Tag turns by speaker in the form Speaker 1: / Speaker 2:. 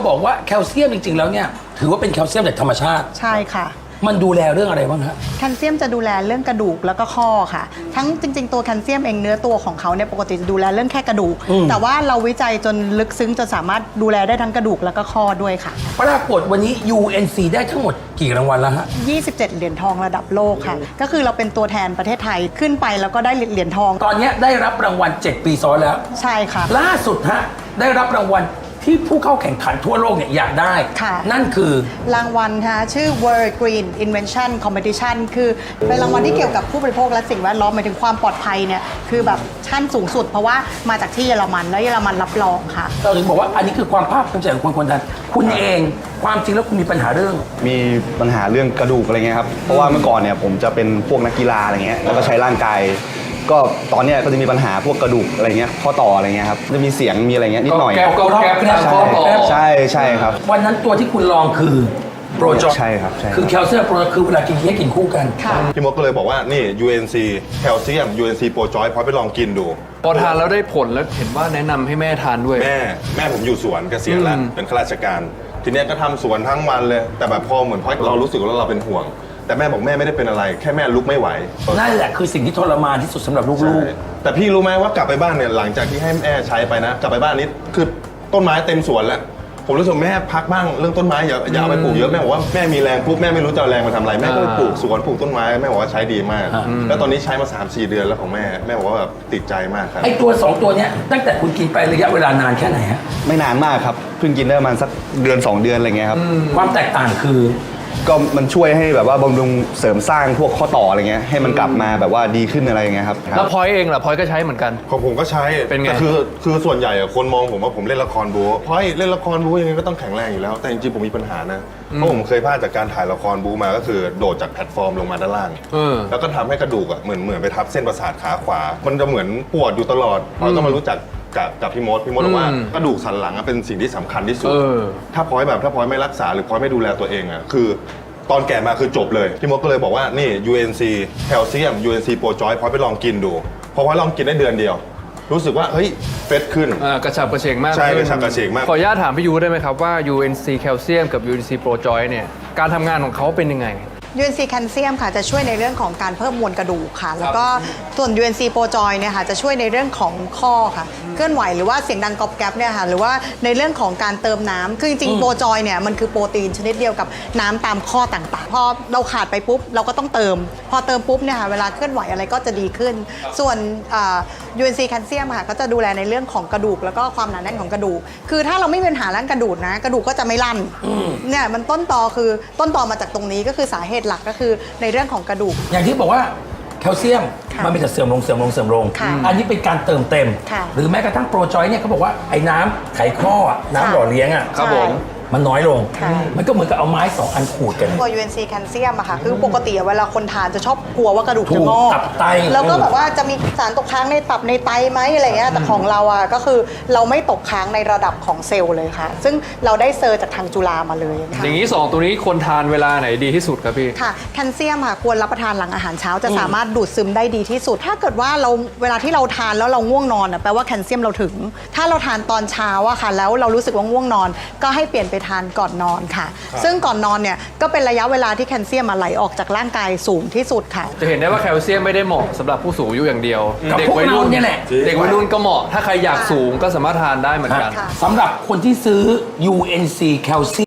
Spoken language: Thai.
Speaker 1: บอกว่าแคลเซียมจริงๆแล้วเนี่ยถือว่าเป็นแคลเซียมจากธรรมชาติ
Speaker 2: ใช่ค่ะ
Speaker 1: มันดูแลเรื่องอะไรบ้างฮะ
Speaker 2: แคลเซียมจะดูแลเรื่องกระดูกแล้วก็ข้อค่ะทั้งจริงๆตัวแคลเซียมเองเนื้อตัวของเขาเนี่ยปกติจะดูแลเรื่องแค่กระดูกแต่ว่าเราวิจัยจนลึกซึ้งจนสามารถดูแลได้ทั้งกระดูกแล้วก็ข้อด้วยค่ะ
Speaker 1: ปรากฏวันนี้ UNC ได้ทั้งหมดกี่รางวัลแล้วฮะ
Speaker 2: 27เหรียญทองระดับโลกค่ะก็คือเราเป็นตัวแทนประเทศไทยขึ้นไปแล้วก็ได้เหรียญทอง
Speaker 1: ตอนนี้ได้รับรางวัล7 ปีซ้อนแล้ว
Speaker 2: ใช่ค่ะ
Speaker 1: ล่าสุดฮะได้รับรางวัลที่ผู้เข้าแข่งขันทั่วโลกเนี่ยอยากได้นั่นคือ
Speaker 2: รางวัลค่ะชื่อ World Green Invention Competition คือเป็นรางวัลที่เกี่ยวกับผู้บริโภคและสิ่งแวดล้อมหมายถึงความปลอดภัยเนี่ยคือแบบชั้นสูงสุดเพราะว่ามาจากที่เยอรมันแล้วเยอรมันรับรองค่ะ
Speaker 1: เราถึงบอกว่าอันนี้คือความภาคภูมิใจของคนไทยคุณเองความจริงแล้วคุณมีปัญหาเรื่อง
Speaker 3: กระดูกอะไรเงี้ยครับเพราะว่าเมื่อก่อนเนี่ยผมจะเป็นพวกนักกีฬาอะไรเงี้ยแล้วก็ใช้ร่างกายก็ตอนนี้ก็จะมีปัญหาพวกกระดูกอะไรเงี้ยข้อต่ออะไรเงี้ยครับจะมีเสียงมีอะไรเงี้ยนิดหน่อย
Speaker 1: แก้วข้อต่อ
Speaker 3: ใช่ครับ
Speaker 1: วันนั้นตัวที่คุณลองคือโปรจอย
Speaker 3: ใช่ครับ
Speaker 1: คือแคลเซียมโปรคือเวลากินให้กินคู่กัน
Speaker 4: พี่มดก็เลยบอกว่านี่ UNC แคลเซียม UNC โปรจอยพอไปลองกินดู
Speaker 5: พอทานแล้วได้ผลแล้วเห็นว่าแนะนำให้แม่ทานด้วย
Speaker 4: แม่ผมอยู่สวนเกษียณแล้วเป็นข้าราชการทีนี้ก็ทำสวนทั้งวันเลยแต่แบบพอเหมือนเรารู้สึกว่าเราเป็นห่วงแต่แม่บอกแม่ไม่ได้เป็นอะไรแค่แม่ลุกไม่ไหว
Speaker 1: นั่นแหละคือสิ่งที่ทรมานที่สุดสำหรับลูก
Speaker 4: ๆแต่พี่รู้ไหมว่ากลับไปบ้านเนี่ยหลังจากที่ให้แม่ใช้ไปนะกลับไปบ้านนี้คือต้นไม้เต็มสวนแล้วผมรู้สึกแม่พักบ้างเรื่องต้นไม้อย่าเอาไปปลูกเยอะแม่บอกว่าแม่มีแรงปุ๊บแม่ไม่รู้จะเอาแรงมาทำอะไรแม่ก็ไปปลูกสวนปลูกต้นไม้แม่บอกว่าใช้ดีมากแล้วตอนนี้ใช้มา 3-4 เดือนแล้วของแม่บอกว่าแบบติดใจมากครับ
Speaker 1: ไอตัว2ตัวเนี้ยตั้งแต่คุณกินไประยะเวลานานแค่ไหนฮะ
Speaker 3: ไม่นานมากครับเพิ่งกินได้ประมาณสักเดือน2 เดือนอะไรเงี้ยครับ
Speaker 1: ความแตกต่างคือ
Speaker 3: ก็มันช่วยให้แบบว่าบำรุงเสริมสร้างพวกข้อต่ออะไรเงี้ยให้มันกลับมาแบบว่าดีขึ้นอะไรเงี้ยครับ
Speaker 5: แล้วพลอยเองล่ะพลอยก็ใช้เหมือนกัน
Speaker 4: ของผมก็ใช้
Speaker 5: เป็นไง
Speaker 4: แต่คือส่วนใหญ่คนมองผมว่าผมเล่นละครบู๊พลอยเล่นละครบู๊ยังไงก็ต้องแข็งแรงอยู่แล้วแต่จริงๆผมมีปัญหานะเพราะผมเคยพลาดจากการถ่ายละครบู๊มาก็คือโดดจากแพลตฟอร์มลงมาด้านล่างแล้วก็ทำให้กระดูกเหมือนไปทับเส้นประสาทขาขวามันจะเหมือนปวดอยู่ตลอดพลอยก็มารู้จักกับพี่มดบอกว่ากระดูกสันหลังเป็นสิ่งที่สำคัญที่สุดถ้าพลอยไม่รักษาหรือพลอยไม่ดูแลตัวเองคือตอนแก่มาคือจบเลยพี่มดก็เลยบอกว่านี่ UNC แคลเซียม UNC โปรจอยพลอยไปลองกินดูพอลองกินได้เดือนเดียวรู้สึกว่าเฮ้ยเฟสขึ้น
Speaker 5: กระฉับกระเฉงมาก
Speaker 4: ใช่กระฉับกระเฉงมาก
Speaker 5: ขออนุญาตถามพี่ยูได้ไหมครับว่า UNC แคลเซียมกับ UNC โปรจอยเนี่ยการทำงานของเขาเป็นยังไง
Speaker 2: UNC แคลเซียมค่ะจะช่วยในเรื่องของการเพิ่มมวลกระดูกค่ะแล้วก็ส่วน UNC โปรจอยเนี่ยค่ะจะช่วยในเรื่องของข้อค่ะเคลื่อนไหวหรือว่าเสียงดังกรอบแกรบเนี่ยค่ะหรือว่าในเรื่องของการเติมน้ำคือจริงๆโปรจอยเนี่ยมันคือโปรตีนชนิดเดียวกับน้ำตามข้อต่างๆพอเราขาดไปปุ๊บเราก็ต้องเติมพอเติมปุ๊บเนี่ยค่ะเวลาเคลื่อนไหวอะไรก็จะดีขึ้นส่วน UNC แคลเซียมค่ะก็จะดูแลในเรื่องของกระดูกแล้วก็ความหนาแน่นของกระดูกคือถ้าเราไม่มีปัญหาเรื่องกระดูกนะกระดูกก็จะไม่ลั่นเนี่ยมันต้นตอมาจากตรงนี้ก็คือสาเหตุหลักก็คือในเรื่องของกระดูก
Speaker 1: อย่างที่บอกว่าแคลเซียมมันเป็นแต่เสื่อมลงอันนี้เป็นการเติมเต็มหรือแม้กระทั่งโปรจอยเนี่ยเขาบอกว่าไอ้น้ำไขข้อน้ำหล่อเลี้ยง
Speaker 5: ครับผม
Speaker 1: มันน้อยลงมันก็เหมือนกับเอาไม้2 อันขูดกัน
Speaker 2: ตัว UNC แคลเซียมอะค่ะคือปกติเวลาคนทานจะชอบกลัวว่ากระดูกจะงอกแล้วก็แบบว่าจะมีสารตกค้างในตับในไตไหมอะไรเงี้ยแต่ของเราอะก็คือเราไม่ตกค้างในระดับของเซลล์เลยค่ะซึ่งเราได้เซอร์จากทางจุฬามาเลย
Speaker 5: อย่างนี้2ตัวนี้ควรทานเวลาไหนดีที่สุดครับพี่
Speaker 2: ค่ะแคลเซียมค่ะควรรับประทานหลังอาหารเช้าจะสามารถดูดซึมได้ดีที่สุดถ้าเกิดว่าเราเวลาที่เราทานแล้วเราง่วงนอนแปลว่าแคลเซียมเราถึงถ้าเราทานตอนเช้าอะค่ะแล้วเรารู้สึกว่าง่วงนอนก็ให้เปลี่ยนไปทานก่อนนอนค่ะซึ่งก่อนนอนเนี่ยก็เป็นระยะเวลาที่แคลเซียมไหลออกจากร่างกายสูงที่สุดค่ะ
Speaker 5: จะเห็นได้ว่าแคลเซียมไม่ได้เหมาะสำหรับผู้สูงอายุอย่างเดียว
Speaker 1: เด็กวัยรุ่นนี่แหละ
Speaker 5: เด็กวัยรุ่นก็เหมาะถ้าใครอยากสูงก็สามารถทานได้เหมือนกัน
Speaker 1: สำหรับคนที่ซื้อ UNC แคลเซียม